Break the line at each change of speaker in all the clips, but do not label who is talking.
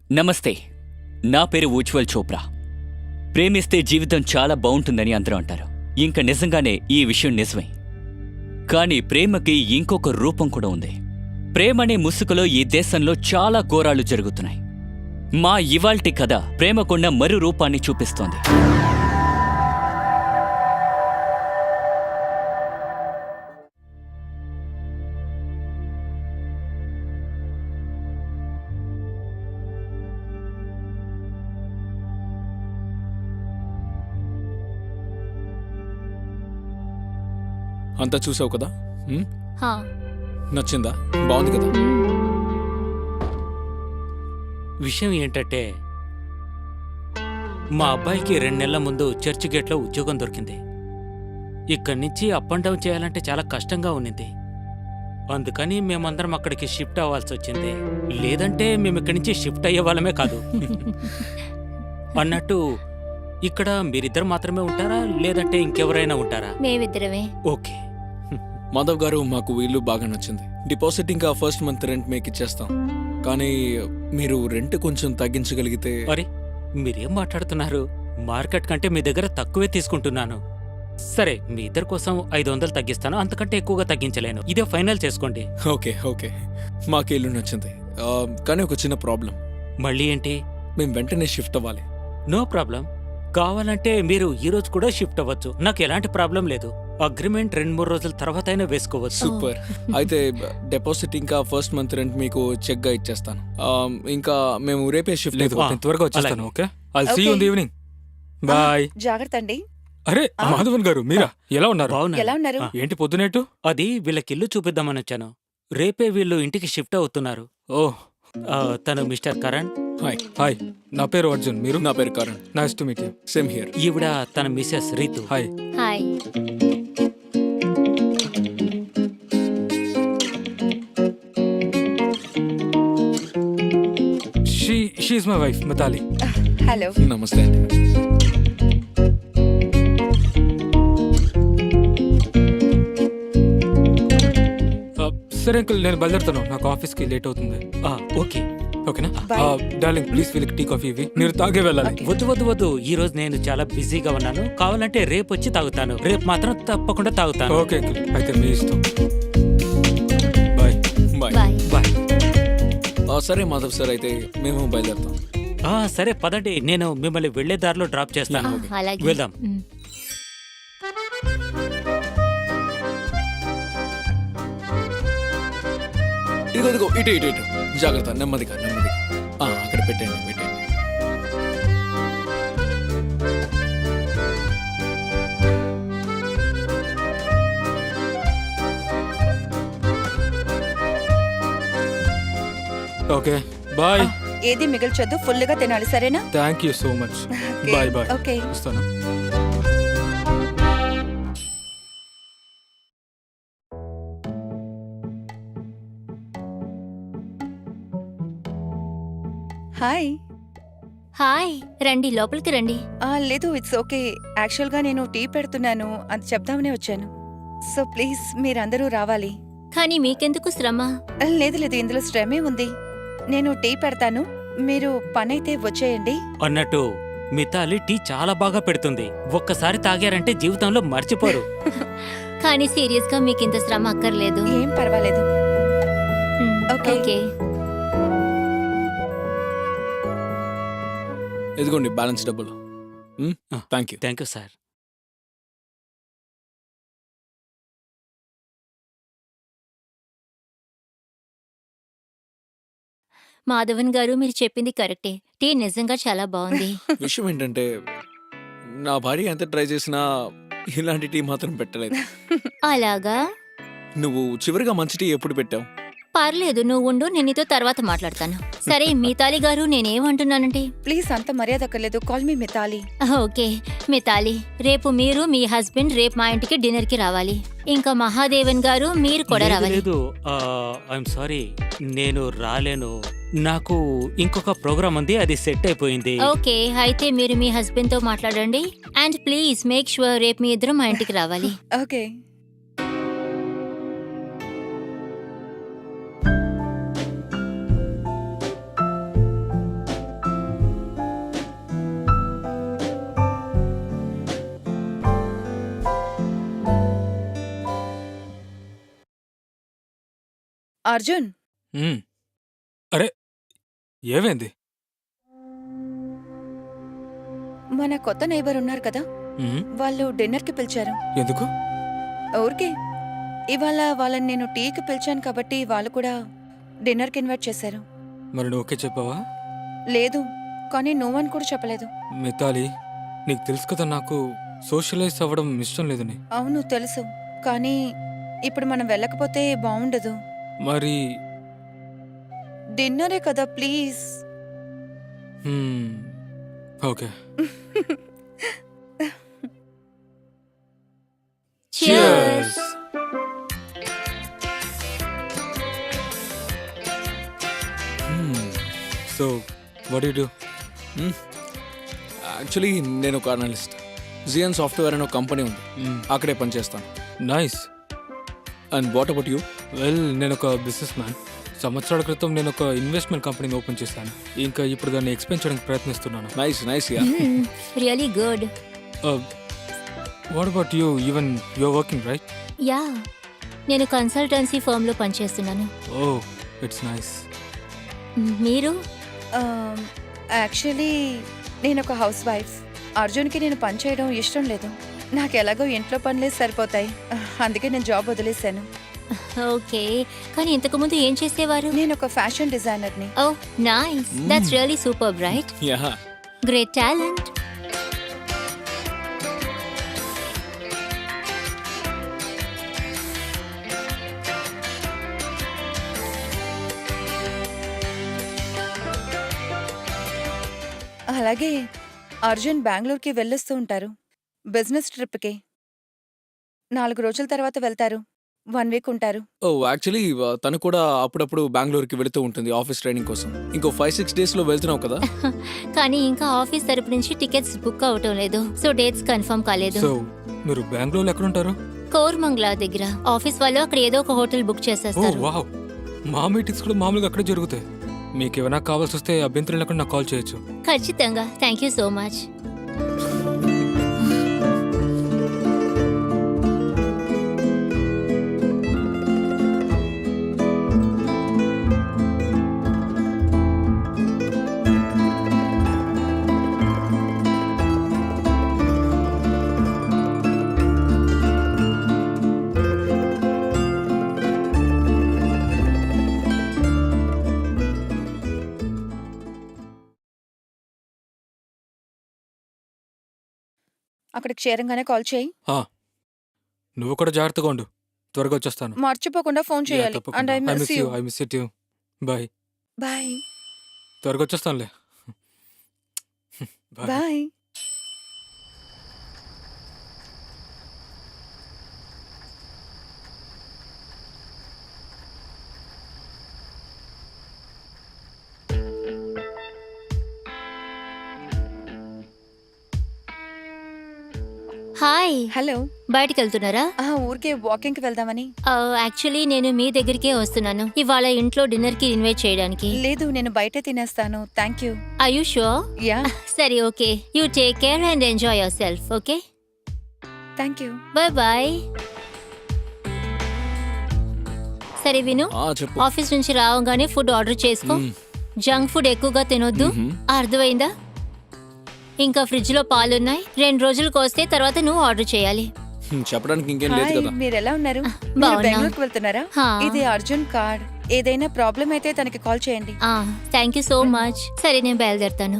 నమస్తే, నా పేరు ఉజ్వల్ చోప్రా. ప్రేమిస్తే జీవితం చాలా బావుంటుందని అందరూ అంటారు. ఇంక నిజంగానే ఈ విషయం నిజమే. కానీ ప్రేమకి ఇంకొక రూపం కూడా ఉంది. ప్రేమనే ముసుగులో ఈ దేశంలో చాలా ఘోరాలు జరుగుతున్నాయి. మా ఇవాల్టి కథ ప్రేమకున్న మరో రూపాన్ని చూపిస్తోంది.
అంతా చూసావు కదా?
హా.
నచ్చిందా? బాగుంది కదా?
విషయం ఏంటంటే మా అబ్బాయికి 2 నెలల ముందు చర్చ్ గేట్లో ఉద్యోగం దొరికింది. ఇక్కడి నుంచి అప్ అండ్ డౌన్ చేయాలంటే చాలా కష్టంగా ఉన్నింది. అందుకని మేమందరం అక్కడికి షిఫ్ట్ అవ్వాల్సి వచ్చింది. లేదంటే మేము ఇక్కడి నుంచి షిఫ్ట్ అయ్యే వాళ్ళమే కాదు. అన్నట్టు ఇక్కడ మీరిద్దరు మాత్రమే ఉంటారా, లేదంటే ఇంకెవరైనా ఉంటారా?
మేమిద్దరమే.
ఓకే.
మాధవ్ గారు, మాకు ఇల్లు బాగా నచ్చింది. డిపాజిట్ ఇంకా ఫస్ట్ మంత్ రెంట్ మీకు ఇచ్చేస్తాం. కానీ మీరు రెంట్ కొంచెం తగ్గించగలిగితే.
మరి మీరేం మాట్లాడుతున్నారు? మార్కెట్ కంటే మీ దగ్గర తక్కువే తీసుకుంటున్నాను. సరే, మీ ఇద్దరి కోసం 500 తగ్గిస్తాను. అంతకంటే ఎక్కువగా తగ్గించలేను. ఇదే ఫైనల్ చేసుకోండి.
ఓకే ఓకే, మాకు ఇల్లు నచ్చింది. కానీ ఒక చిన్న ప్రాబ్లం.
మళ్ళీ ఏంటి?
మేము వెంటనే షిఫ్ట్ అవ్వాలి.
No problem. కావాలంటే మీరు ఈ రోజు కూడా షిఫ్ట్ అవ్వచ్చు. నాకు ఎలాంటి ప్రాబ్లం లేదు. అగ్రిమెంట్ 2-3 రోజుల తర్వాత అయినా వేసుకోవచ్చు.
సూపర్. అయితే డిపాజిట్ ఇంకా ఫస్ట్ మంత్ రెంట్ మీకు చెక్ గా ఇచ్చేస్తాను. ఇంకా మేము రేపే షిఫ్ట్
లేదు,
అయిపోతాం.
నేను త్వరగా వచ్చేస్తాను.
అలాగే.
Okay, I'll see you in the evening. Bye.
జాగ్రత్త అండి.
అరే మాధవన్ గారు, మీరా? ఎలా ఉన్నారు?
బాగున్నా.
ఎలా ఉన్నారు?
ఏంటి పొద్దునేటు?
అది వీళ్ళకిల్లు చూపిద్దామని వచ్చాను. రేపే వీళ్ళు ఇంటికి షిఫ్ట్ అవుతున్నారు.
ఓ
తను మిస్టర్ కరణ్.
హాయ్,
హాయ్, నా పేరు అర్జున్. మీరు?
నా పేరు Karan.
Nice to meet you.
Same here.
ఈవిడ తన Mrs Ritu.
Hi.
Hi.
She is my wife Mitali.
Hello.
నమస్తే అండి.
సరే అంకుల్, నేను బయలుదేరుతాను. నాకు ఆఫీస్కి లేట్ అవుతుంది.
ఓకే.
ఓకేనా?
Bye.
డార్లింగ్, ప్లీజ్ వీళ్ళకి టీ కాఫీ ఇవి. మీరు తాగే వెళ్ళాలి.
Okay.
వద్దు వద్దు వద్దు, ఈ రోజు నేను చాలా బిజీగా ఉన్నాను. కావాలంటే రేపు వచ్చి తాగుతాను. రేపు మాత్రం తప్పకుండా తాగుతాను.
ఓకే అంకుల్, అయితే మీ ఇష్టం. బాయ్.
బాయ్.
బాయ్.
బాయ్.
సరే మాధవ్ సార్, అయితే మేము బయలుదేరుతాం.
సరే పదండి, నేను మిమ్మల్ని వెళ్లే దారిలో డ్రాప్ చేస్తాను.
అలాగే.
వెళ్దాం.
మ్.
ఇదిగో ఇదిగో, ఇటు ఇటు ఇటు. జాగ్రత్త, నెమ్మదిగా నెమ్మదిగా. అక్కడ పెట్టండి పెట్టండి.
Okay, bye.
ఏది మిగిల్చొద్దు, ఫుల్ గా తినాలి, సరేనా?
Thank you so much.
Okay.
Bye bye.
Okay.
వస్తాను.
హాయ్.
హాయ్, రండి లోపలికి రండి.
లేదు, ఇట్స్ ఓకే. యాక్చువల్ గా నేను టీ పెడుతున్నాను, అది చెప్దామనే వచ్చాను. సో ప్లీజ్ మీరందరూ రావాలి.
కానీ మీకెందుకు శ్రమ?
లేదు లేదు, ఇందులో శ్రమే ఉంది. నేను టీ పెడతాను, మీరు పనైతే వచ్చేయండి.
అన్నట్టు మితాలి టీ చాలా బాగా పెడుతుంది. ఒక్కసారి తాగారంటే జీవితంలో మర్చిపోరు.
కానీ సీరియస్ గా మీకింత శ్రమ అక్కర్లేదు.
ఏం పర్వాలేదు.
Hmm,
okay.
ఓకే.
ఇదిగోండి బ్యాలెన్స్ డబ్బులు. Thank you.
Thank you sir.
Madhavan గారు, మీరు చెప్పింది కరెక్టే. టీ నిజంగా చాలా బాగుంది.
విషయం ఏంటంటే, నా భార్య ఎంత ట్రై చేసినా ఇలాంటి టీ మాత్రం పెట్టలేదు.
అలాగా?
నువ్వు చివరిగా మంచి టీ ఎప్పుడు పెట్టావు?
పర్లేదు, నువ్వు ఉండు, నేను నీతో తర్వాత మాట్లాడతాను. సరే మితాలి గారు, నేనేమంటున్నానంటే,
ప్లీజ్ అంత మర్యాద అక్కర్లేదు. Call me Mitali.
Okay Mitali, రేపు మీరు మీ హస్బెండ్ రేపు మా ఇంటికి డిన్నర్ కి రావాలి. ఇంకా మహాదేవన్ గారు, మీరు కూడా
లేదు,
రావాలి.
లేదు, ఐఎమ్ సారీ, నేను రాలేను. నాకు ఇంకొక ప్రోగ్రామ్ ఉంది, అది సెట్ అయిపోయింది.
ఓకే, అయితే మీరు మీ హస్బెండ్ తో మాట్లాడండి. అండ్ ప్లీజ్ మేక్ షూర్ రేపు మీ ఇద్దరు మా ఇంటికి రావాలి.
ఓకే. అర్జున్,
మ్మ్. అరే ఏమైంది?
మన కొత్త నైబర్ ఉన్నారు కదా,
మ్మ్.
వాళ్ళు డిన్నర్కి పిలిచారు.
ఎందుకు?
ఊరికే ఇవాళ వాళ్ళని నేను టీకి పిలిచాను కాబట్టి వాళ్ళు కూడా డిన్నర్కి ఇన్వైట్ చేశారు.
మరి నువ్వు ఓకే చెప్పావా?
లేదు, కానీ నువ్వని కూడా చెప్పలేదు.
మితాలి, నీకు తెలుసు కదా నాకు సోషలైజ్ అవ్వడం ఇష్టం లేదని.
అవును తెలుసు, కానీ ఇప్పుడు మనం వెళ్ళకపోతే బాగుండదు.
మరి
డిన్నరే కదా, please.
Hmm. Okay.
Cheers.
So what you do?
Actually నేను ఒక అనలిస్ట్. జియన్ సాఫ్ట్వేర్ అనే ఒక కంపెనీ ఉంది, అక్కడే పనిచేస్తాను.
Nice.
And what about you?
Well, నేను ఒక బిజినెస్ మ్యాన్. సంవత్సరాల క్రితం నేను ఒక ఇన్వెస్ట్మెంట్ కంపెనీని ఓపెన్ చేశాను. ఇంకా ఇప్పుడు దాన్ని ఎక్స్పెండ్ చేయడానికి ప్రయత్నిస్తున్నాను.
Nice nice yeah.
Really good.
What about you? Even you're working right?
Yeah, నేను కన్సల్టెన్సీ ఫర్మ్లో పనిచేస్తున్నాను.
Oh, it's nice.
మీరు?
యాక్చువల్లీ నేను ఒక హౌస్ వైఫ్. అర్జున్కి నేను పని చేయడం ఇష్టం లేదు. నాకు ఎలాగో ఇంట్లో పనులే సరిపోతాయి, అందుకే నేను జాబ్ వదిలేశాను.
ఓకే, కానీ ఇంతకుముందు ఏం చేసేవారు?
నేను ఒక ఫ్యాషన్ డిజైనర్ని.
Oh nice, that's really super right.
Yeah.
Great talent.
అలాగే అర్జున్ బెంగళూరుకి వెళ్ళొస్తూ ఉంటారు బిజినెస్ ట్రిప్కి. 4 రోజుల తర్వాత వెళ్తారు, 1 వీక్ ఉంటారు.
ఓ యాక్చువల్లీ తను కూడా అప్పుడప్పుడు బెంగళూరుకి వెళుతూ ఉంటుంది ఆఫీస్ ట్రైనింగ్ కోసం. ఇంకో 5-6 డేస్లో వెళ్తున్నావు కదా?
కానీ ఇంకా ఆఫీస్ తరపు నుంచి టికెట్స్ బుక్ అవటం లేదు, సో డేట్స్ కన్ఫర్మ్ కాలేదు.
సో మీరు బెంగళూరులో ఎక్కడ ఉంటారు?
కోర్మంగ్లా దగ్గర. ఆఫీస్ వాళ్ళు అక్కడ ఏదో ఒక హోటల్ బుక్
ఓ
చేసేస్తారు.
వావ్, మా మీటింగ్స్ కూడా మామూలుగా అక్కడే జరుగుతాయి. మీకు ఏమైనా కావాల్సి వస్తే అభ్యంతరం లేకుండా నాకు కాల్ చేయొచ్చు.
ఖచ్చితంగా. Thank you so much.
అక్కడికి చేరంగానే కాల్ చేయి.
నువ్వు కూడా జాగ్రత్తగా ఉండు. త్వరగా వచ్చేస్తాను.
మర్చిపోకుండా ఫోన్ చేయాలి. And I miss you.
I miss you. Bye.
Bye
త్వరగా వచ్చేస్తానులే. బాయ్.
బాయ్.
Hi,
hello.
బయటికి వెళ్తున్నారా?
ఊరికే వాకింగ్కి వెళ్దామని.
యాక్చువల్లీ నేను మీ దగ్గరికే వస్తున్నాను ఇవాళ ఇంట్లో డిన్నర్ కి ఇన్వైట్ చేయడానికి.
లేదు, నేను బయటే తినేస్తాను. Thank you.
Are you sure?
Yeah,
సరే, okay. You take care and enjoy yourself. Okay,
thank you.
Bye bye. సరే విను,
చెప్పు.
ఆఫీస్ నుంచి రావగానే ఫుడ్ ఆర్డర్ చేసుకో. జంక్ ఫుడ్ ఎక్కువగా తినొద్దు, అర్థమైందా? ఇంకా ఫ్రిడ్జ్ లో పాలున్నాయి, 2 రోజులకు వస్తే తర్వాత నువ్వు ఆర్డర్ చేయాలి.
చెప్పడానికి ఇంకేం లేదు
హాయ్,
కదా.
మీరు ఎలా ఉన్నారు? మీరు
బాగున్నా.
బెంగళూరుకి వెళ్తున్నారా?
హా.
ఇది అర్జున్ కార్డ్. ఏదైనా ప్రాబ్లం అయితే తనకి కాల్ చేయండి.
Thank you so much. సరే, నేను బయలుదేరుతాను.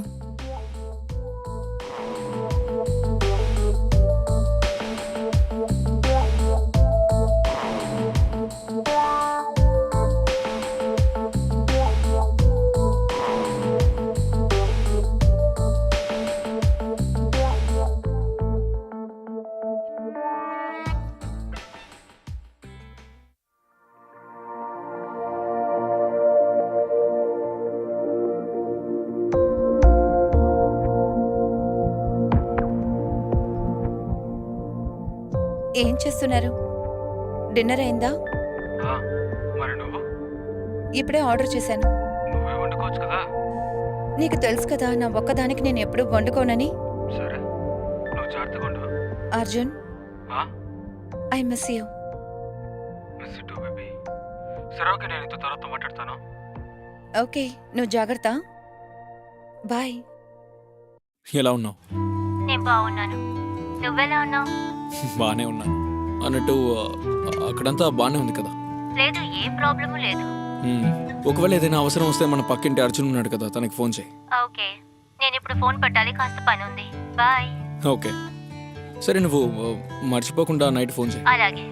ఏం చేస్తున్నారు? డిన్నర్ అయిందా?
మరి నువ్వు?
ఇప్పుడే ఆర్డర్ చేశాను.
నువ్వే వండుకోవచ్చు కదా.
నీకు తెలుసు కదా నా ఒక్కదానికి నేను ఎప్పుడూ వండుకోనని.
సరే, నువ్వు జాగ్రత్తగా ఉండు.
Arjun, I miss you.
Miss you too baby. సరే ఓకే, నేను ఇంత తర్వాత మాట్లాడతాను.
ఓకే, నువ్వు జాగ్రత్త. బాయ్.
ఎలా ఉన్నావు?
నేను బాగున్నాను. నువ్వెలా ఉన్నావు?
బాగానే ఉన్నాను. అన్నట్టు అక్కడంతా బాగానే ఉంది కదా?
లేదు, ఏ ప్రాబ్లము లేదు.
మ్మ్. ఒకవేళ ఏదైనా అవసరం వస్తే మన పక్కింటి అర్జున్ ఉన్నాడు కదా, తనకి ఫోన్ చేయి.
ఓకే, నేను ఇప్పుడు ఫోన్ పెట్టాలి, కాస్త పని ఉంది. బాయ్.
ఓకే సరే, నువ్వు మర్చిపోకుండా నైట్ ఫోన్ చేయి.
అలాగే.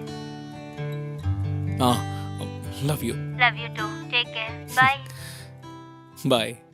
Love you.
Love you too. Take care. Bye.
Bye.